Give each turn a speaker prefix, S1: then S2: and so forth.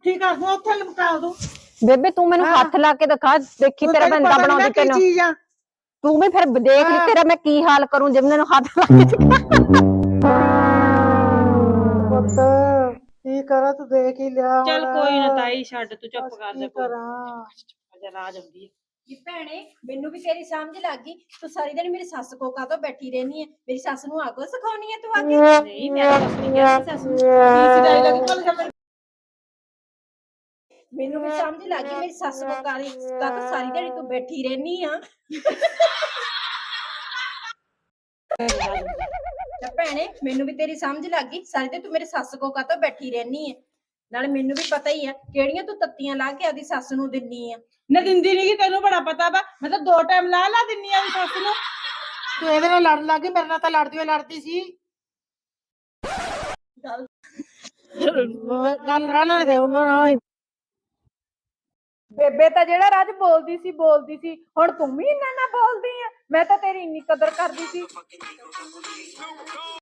S1: ਪੁੱਠੀ ਕਰ ਦੂੰ ਉੱਥੇ ਲਮਕਾ ਦੂੰ।
S2: ਬੇਬੇ ਤੂੰ ਮੈਨੂੰ ਹੱਥ ਲਾ ਕੇ ਦਿਖਾ, ਦੇਖੀ ਤੇਰਾ ਬੰਦਾ ਬਣਾਉਂਦੀ ਤੈਨੂੰ। ਤੂੰ ਵੀ ਫਿਰ ਦੇਖ ਲਈ ਤੇਰਾ ਮੈਂ ਕੀ ਹਾਲ ਕਰੂੰ ਜੇ ਮੈਨੂੰ ਹੱਥ ਲਾ ਕੇ
S1: ਪੁੱਤ ਕੀ ਕਰਾਂ, ਤੂੰ ਦੇਖ ਹੀ ਲਿਆ।
S3: ਚੱਲ ਕੋਈ ਨਾ ਤਾਈ, ਛੱਡ ਤੂੰ, ਚੁੱਪ ਕਰ ਜਾ। ਕੋਈ ਰਾਜ ਆਉਂਦੀ ਹੈ
S4: ਕਿ ਭੈਣੇ ਮੈਨੂੰ ਵੀ ਤੇਰੀ ਸਮਝ ਲੱਗ ਗਈ। ਤੂੰ ਸਾਰੀ ਦਿਨ ਮੇਰੀ ਸੱਸ ਕੋ ਕਾਹਤੋਂ ਬੈਠੀ ਰਹਿਨੀ ਹੈ? ਮੇਰੀ ਸੱਸ ਨੂੰ ਆਗੋ ਸਿਖਾਉਣੀ ਹੈ ਤੂੰ ਆ ਕੇ?
S3: ਨਹੀਂ, ਮੈਂ ਕੁਛ ਨਹੀਂ ਕਿਹਾ ਸੱਸ ਨੂੰ।
S4: ਮੈਨੂੰ ਵੀ ਸਮਝ ਲੱਗ ਗਈ ਮੇਰੀ ਸੱਸ ਕੋ ਕਾਹਤੋਂ ਸਾਰੀ ਦਿਨ ਤੂੰ ਬੈਠੀ ਰਹਿਨੀ ਆ। ਤੇ ਭੈਣੇ ਮੈਨੂੰ ਵੀ ਤੇਰੀ ਸਮਝ ਲੱਗ ਗਈ, ਸਾਰੀ ਦਿਨ ਤੂੰ ਮੇਰੇ ਸੱਸ ਕੋ ਕਾਹਤੋਂ ਬੈਠੀ ਰਹਿਨੀ ਹੈ? ਨਾਲੇ ਮੈਨੂੰ ਵੀ ਪਤਾ ਹੀ ਆ ਕਿਹੜੀਆਂ ਤੂੰ ਤੱਤੀਆਂ ਲਾ ਕੇ ਆਦੀ ਸੱਸ ਨੂੰ ਦਿੰਨੀ ਆ।
S3: ਨਾ ਦਿੰਦੀ ਨਹੀਂ, ਤੈਨੂੰ ਬੜਾ ਪਤਾ ਵਾ। ਮੈਂ ਤਾਂ 2 ਟਾਈਮ ਲਾ ਦਿੰਨੀ ਆ ਸੱਸ ਨੂੰ।
S1: ਤੂੰ ਇਹਦੇ ਨਾਲ ਲੜਨ ਲੱਗ ਗਈ, ਮੇਰੇ ਨਾਲ ਤਾਂ ਲੜਦੀ ਸੀ। ਗੱਲ ਰਹਿਣਾ ਦੇ ਉਹਨਾਂ ਨਾਲ।
S4: ਬੇਬੇ ਤਾਂ ਜਿਹੜਾ ਰਾਜ ਬੋਲਦੀ ਸੀ ਹੁਣ ਤੂੰ ਵੀ ਇੰਨਾ ਨਾ ਬੋਲਦੀ ਆ। ਮੈਂ ਤਾਂ ਤੇਰੀ ਇੰਨੀ ਕਦਰ ਕਰਦੀ ਸੀ।